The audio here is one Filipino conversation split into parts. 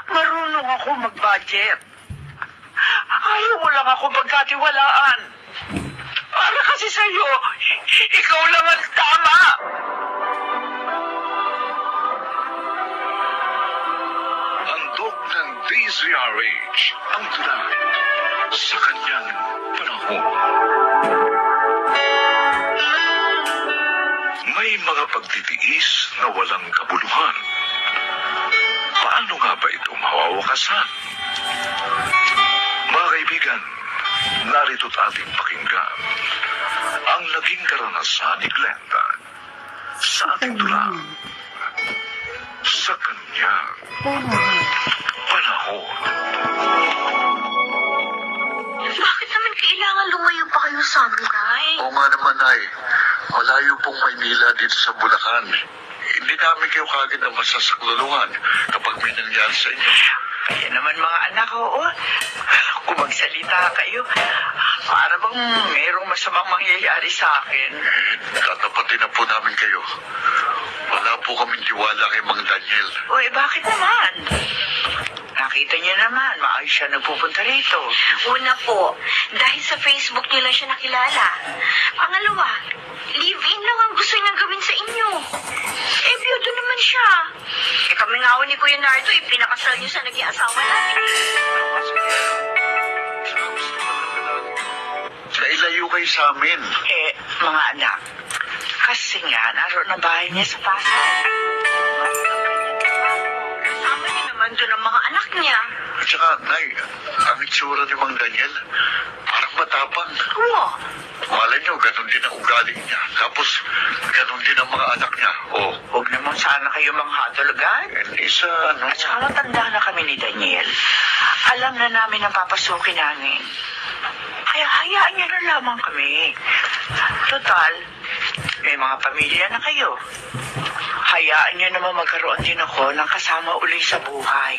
Marunong ako mag-budget. Ayaw mo lang ako pagkatiwalaan. Para kasi sa'yo, ikaw lang ang tama. Handog ng DZRH ang tula sa kanyang panahon. May mga pagtitiis na walang kabuluhan. Paano nga ba ito mawawakasan? Mga kaibigan, narito't ating pakinggan ang naging karanasan ni Glenda sa ating tula sa kanyang panahon. Bakit naman kailangan lumayo pa kayo sa amin, Nay? Oo nga naman, Nay. Malayo pong Maynila dito sa Bulacan. Hindi namin kayo kagad na masasakluluhan kapag may nangyari sa inyo. Kaya naman mga anak, oo. Kung magsalita kayo, para bang mayroong masamang mangyayari sa akin. Tatapatin na po namin kayo. Wala po kaming tiwala kay Mang Daniel. Uy, bakit naman? Nakita niyo naman, maayos siya nagpupunta rito. Una po, dahil sa Facebook niyo lang siya nakilala. Pangalawa, live-in lang ang gusto niyang gawin sa inyo. Eh, biyudo naman siya. Eh, kami nga ni Kuya Nardo, pinakasal niyo sa naging asawa namin. Nailayo kayo sa amin. Eh, mga anak, kasi nga, naroon ang bahay niya sa Pasay. Kasama niyo naman doon ang mga anak niya. At saka, Nay, ang itsura ni Mang Daniel, parang matapang. Oo. Malay niyo, ganun din ang ugali niya. Tapos, ganun din ang mga anak niya. Oh, Huwag naman sana kayo manghadol agad. hindi sa ano. At saka matanda na kami ni Daniel. Alam na namin ang papasukin namin. Kaya hayaan niyo na lamang kami. Total, may mga pamilya na kayo. Hayaan niyo naman magkaroon din ako ng kasama uli sa buhay.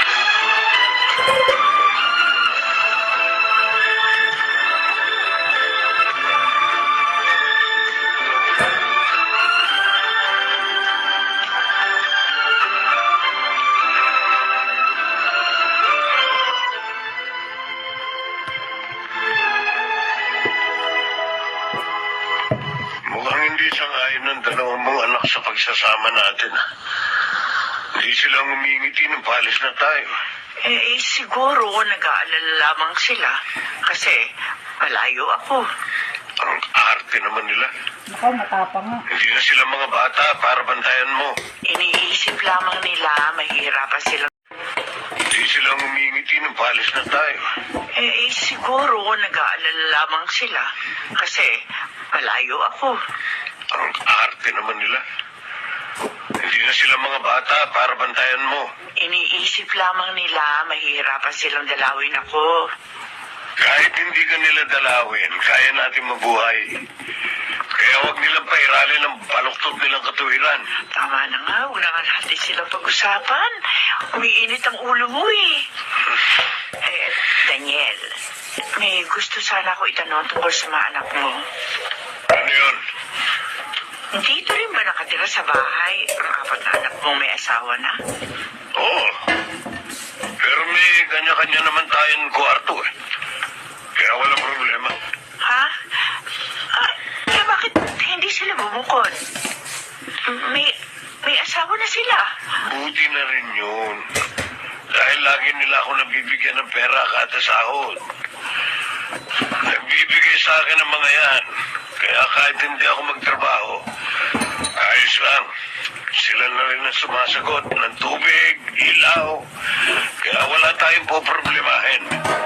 Mukhang hindi sangayon ng dalawang mong anak sa pagsasama natin. Hindi silang umingiti ng palis na tayo. Siguro nag-aalala lamang sila kasi malayo ako. Ang arte naman nila. Ako, matapang nga. Hindi na sila mga bata para bantayan mo. Iniisip lamang nila mahihirapan sila. Hindi silang umingiti ng palis na tayo. Siguro nag-aalala lamang sila kasi malayo ako. Ang arte naman nila. Hindi na sila mga bata para bantayan mo. Iniisip lamang nila mahihirapan silang dalawin ako. Kahit hindi ka nila dalawin, kaya natin mabuhay. Kaya huwag nilang pairalin ang baluktot nilang katuwiran. Tama na nga, huwag na nga natin silang pag-usapan. Umiinit ang ulo mo eh. Daniel, may gusto sana ako itanong tungkol sa mga anak mo. Ano yun? Dito rin ba nakatira sa bahay ang apat na anak mong may asawa na? Oo. Pero may kanya-kanya naman tayong kwarto eh. Kaya walang problema. Ha? Bakit hindi sila bumukod? May asawa na sila. Buti na rin yun. Dahil lagi nila ako nabibigyan ng pera kada sahod. Nagbibigay sa akin ng mga yan. Kaya kahit hindi ako magtrabaho, ayos lang. Sila na rin ang sumasagot ng tubig, ilaw. Kaya wala tayong poproblemahin.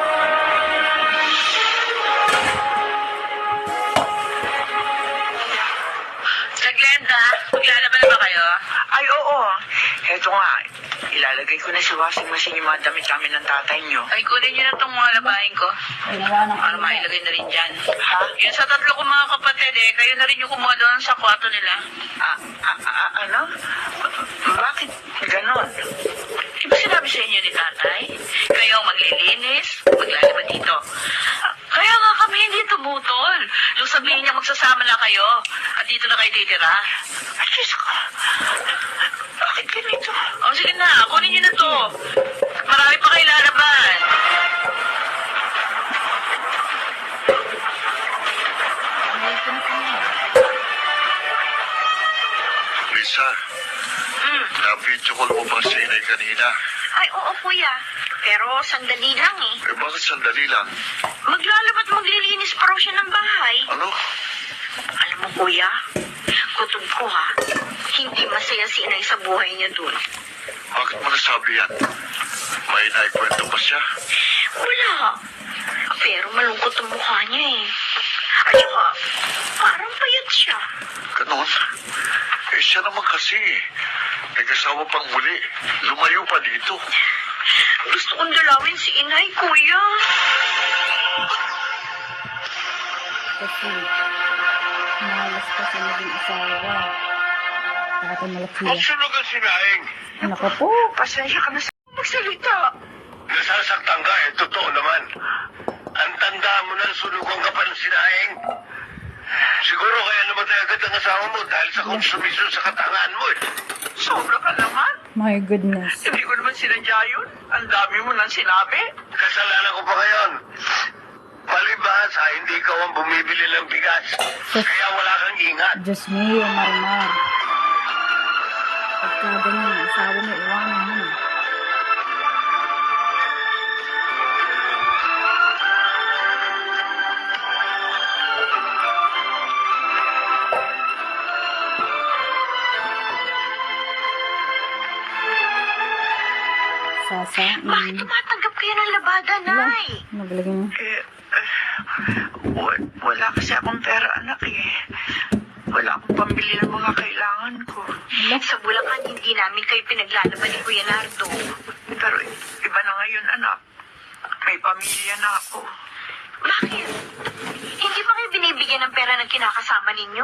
Sa Glenda, maglalaban na ba kayo? Ay, oo. Heto nga, ilalagay ko na sa washing machine yung mga damit namin ng tatay nyo. Ay, kunin niyo na itong mga labahin ko. Ay, wala nang Para mailagay na rin dyan. Ha? Yung sa tatlo kong mga kapatid kayo na rin yung kumuha doon sa kwarto nila. Ano? Bakit ganon? Di ba sinabi sa inyo ni tatay? Kayo ang maglilinis, maglalaban dito. Kaya nga kami hindi tumutol. Nung sabihin niya magsasama na kayo, at dito na kayo titira. Ay, Diyos ko. Bakit ganito? O sige na, kunin niyo na to. kanina. Ay, oo, kuya. Pero sandali lang eh. Eh, bakit sandali lang? Maglalabat maglilinis pa raw siya ng bahay. Ano? Alam mo, kuya, kutob ko ha. Hindi masaya si inay sa buhay niya dun. Bakit mo nasabi yan? May naikwento ba siya? Wala. Pero malungkot ang mukha niya eh. At saka, parang payat siya. Ganon? Eh, siya naman kasi. Nag-asawa pang muli. Lumayo pa dito. Gusto kong dalawin si inay, kuya. Kasi, malas pa siya naging asawa. Dati malaki. Ang sunog ang sinaing. Nako po. Pasensya ka na sa magsalita. Nasasaktan ka eh, totoo naman. Ang tanda mo na sunugan ka pa ng sinaing. Siguro kaya namatay agad ang asawa mo dahil sa konsumisyon sa katangaan mo eh. Sobra ka naman. My goodness. Hindi ko naman sinadya yun. Ang dami mo nang sinabi. Kasalanan ko pa ngayon. Palibhas ha, hindi ikaw ang bumibili ng bigas. Kaya wala kang ingat. Diyos mio, Marimar. Pagka ganyan, asawa mo, iwanan mo na. Sasa, Bakit tumatanggap kayo ng labada, wala. nay? Magaling. Wala kasi akong pera, anak eh. Wala akong pambili ng mga kailangan ko. Sa Bulacan, hindi namin kayo pinaglalaban ni Kuya Nardo. Pero iba na ngayon, anak. May pamilya na ako. Bakit? Hindi ba kayo binibigyan ng pera ng kinakasama ninyo?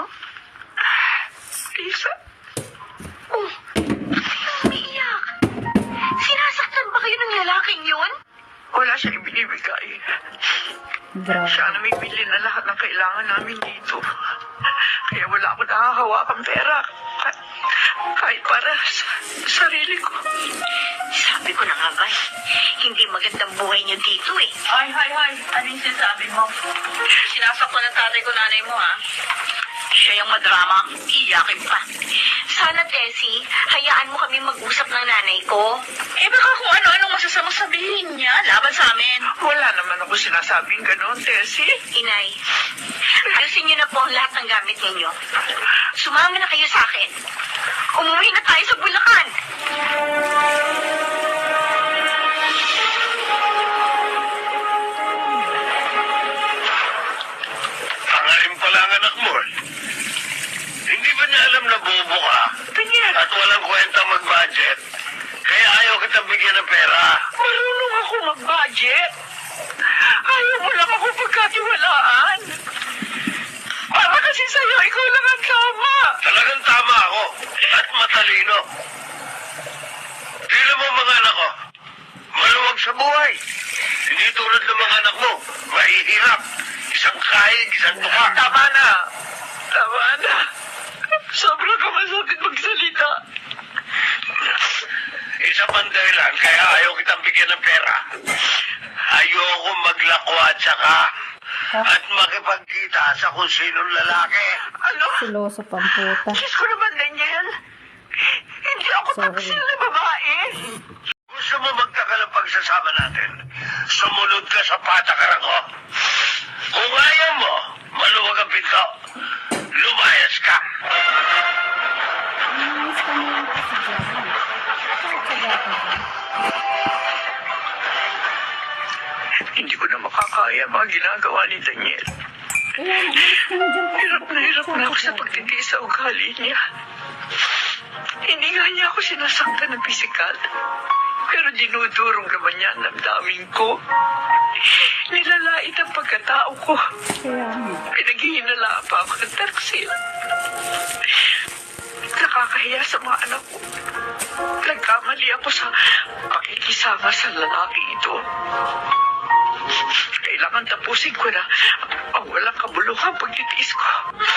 Lisa, Oh, umiiyak. Sinasaktan ba kayo ng lalaking yun? wala siya ibinibigay. Grabe. Siya na may bili na lahat ng kailangan namin dito. Kaya wala akong nakakahawakang pera. Kahit para sa sarili ko. Sabi ko na nga ba, hindi magandang buhay niyo dito eh. Ay. Ano yung sinasabi mo? Sinasaktan ng tatay ko nanay mo ha. Siya yung madrama, iyakin pa. Sana, Tessie, hayaan mo kami mag-usap ng nanay ko. Eh baka kung ano-ano masasamang sabihin niya laban sa amin. Wala naman ako sinasabing gano'n, Tessie. Inay, ayusin niyo na po ang lahat ng gamit ninyo. Sumama na kayo sa akin. Umuwi na tayo sa Bulacan. Pangalim pala ang anak mo eh. Hindi ba niya alam na bobo ka? Daniel, At walang kwenta mag-budget? Kaya ayaw kitang bigyan ng pera. marunong ako mag-budget. Ayaw mo lang ako pagkatiwalaan. Para kasi sa'yo, ikaw lang ang tama. Talagang tama ako. At matalino. Tignan mo mga anak ko. Maluwag sa buhay. Hindi tulad ng mga anak mo. Mahihirap. Isang kaig, isang tuka. Tama na. Sobrang ka masakit magsalita. Isa pang dahilan, kaya ayaw kitang bigyan ng pera. Ayoko maglakwat saka at makipagkita sa kung sinong lalaki. Ano? Siloso pamputa. Diyos ko naman, Daniel. Hindi ako Sorry. taksil na babae. Gusto mo magtagal ang pagsasama natin? Sumunod ka sa patakaran ko. Kung ayaw mo, maluwag ang pinto. Lumayas ka. Nice ka na lang kasi dyan. Tsaga ka dyan. Hindi ko na makakaya mga ginagawa ni Daniel. Kaya, alis ka na dyan. Hirap na ako sa pagtitiis sa ugali niya. Hindi nga niya ako sinasaktan ng pisikal. Pero dinudurog naman niya ang damdamin ko. Nilalait ang pagkatao ko. Kaya nga. Pinaghihinala pa ako ng taksil. Nakakahiya sa mga anak ko. Nagkamali ako sa pakikisama sa lalaki ito. Kailangan tapusin ko na ang walang kabuluhang pagtitiis ko.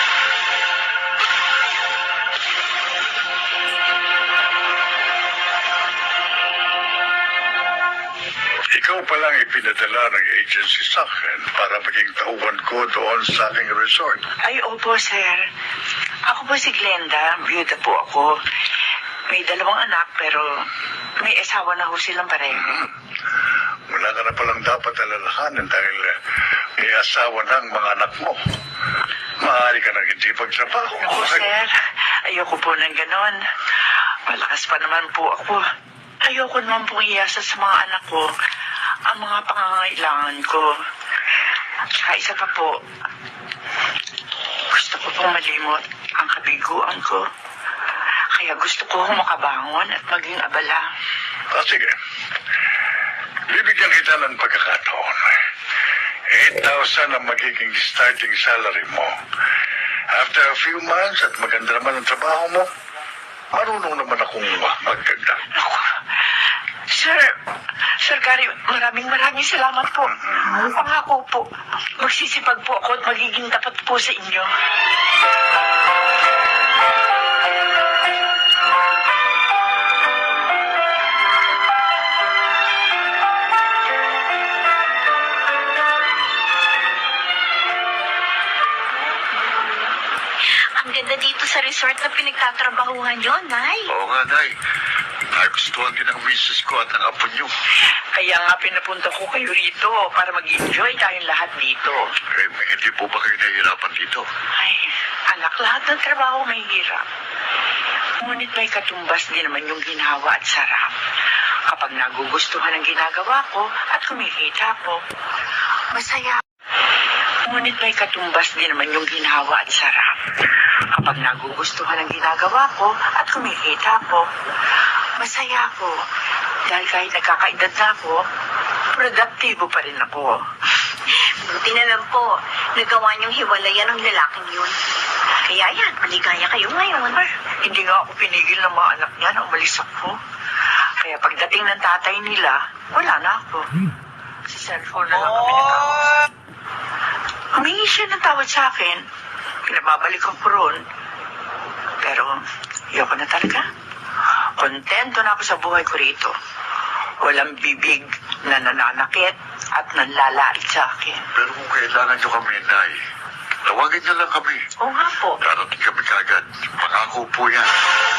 Ikaw pa lang ipinadala ng agency sa akin para maging tauhan ko doon sa aking resort. Ay, opo, sir. Ako po si Glenda. Byuda po ako. May 2 anak pero may asawa na ho silang pareho. Wala ka na palang dapat alalahanin dahil may asawa ng mga anak mo. Maaari ka nang hindi magtrabaho. Naku, sir, ayoko po ng ganon. Malakas pa naman po ako. Ayoko naman pong iyasa sa mga anak ko ang mga pangangailangan ko. Tsaka isa pa po, gusto ko pong malimot ang kabiguan ko. Kaya gusto ko makabangon at maging abala. Sige. Bibigyan kita ng pagkakataon. 8,000 ang magiging starting salary mo. After a few months at maganda naman ang trabaho mo, marunong naman akong magdagdag. Naku, Sir Gary, maraming salamat po. Pangako po, magsisipag po ako at magiging tapat po sa inyo. Ang ganda dito sa resort na pinagtatrabahuhan nyo, Nay. Oo nga, Nay. Nagustuhan din ang misis ko at ang apo niyo. Kaya nga pinapunta ko kayo rito para mag-enjoy tayong lahat dito. Hindi po ba kayo nahihirapan dito? Ay, anak, lahat ng trabaho may hirap. Ngunit may katumbas din naman yung ginhawa at sarap. Kapag nagugustuhan ang ginagawa ko at kumikita ko, masaya. Ngunit may katumbas din naman yung ginhawa at sarap. Kapag nagugustuhan ang ginagawa ko at kumikita ko, masaya ako. Dahil kahit nagkakaedad na ako, produktibo pa rin ako. Buti na lang po, nagawa niyong hiwalayan ng lalaking yun. Kaya yan, maligaya kayo ngayon. Ay, hindi nga ako pinigil ng mga anak niya na umalis ako. Kaya pagdating ng tatay nila, wala na ako. Sa cellphone na lang kami nagkausap. Humingi siya ng tawad sa akin. Pinababalikan ko ron. Pero, ayoko na talaga. Kontento na ako sa buhay ko rito. Walang bibig na nananakit at nanlalait sa akin. Pero kung kailangan niyo kami, Nay, tawagin niyo lang kami. Oo nga po. Darating kami kagad. Pangako po yan.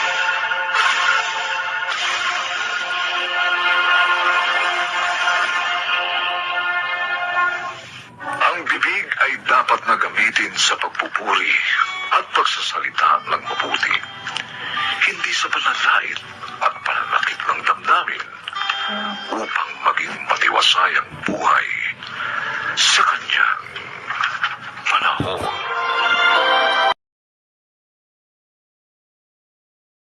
Ang bibig ay dapat na gamitin sa pagpupuri at pagsasalita ng mabuti. Hindi sa pananalait at pananakit ng damdamin upang maging matiwasay ang buhay sa kanyang panahon.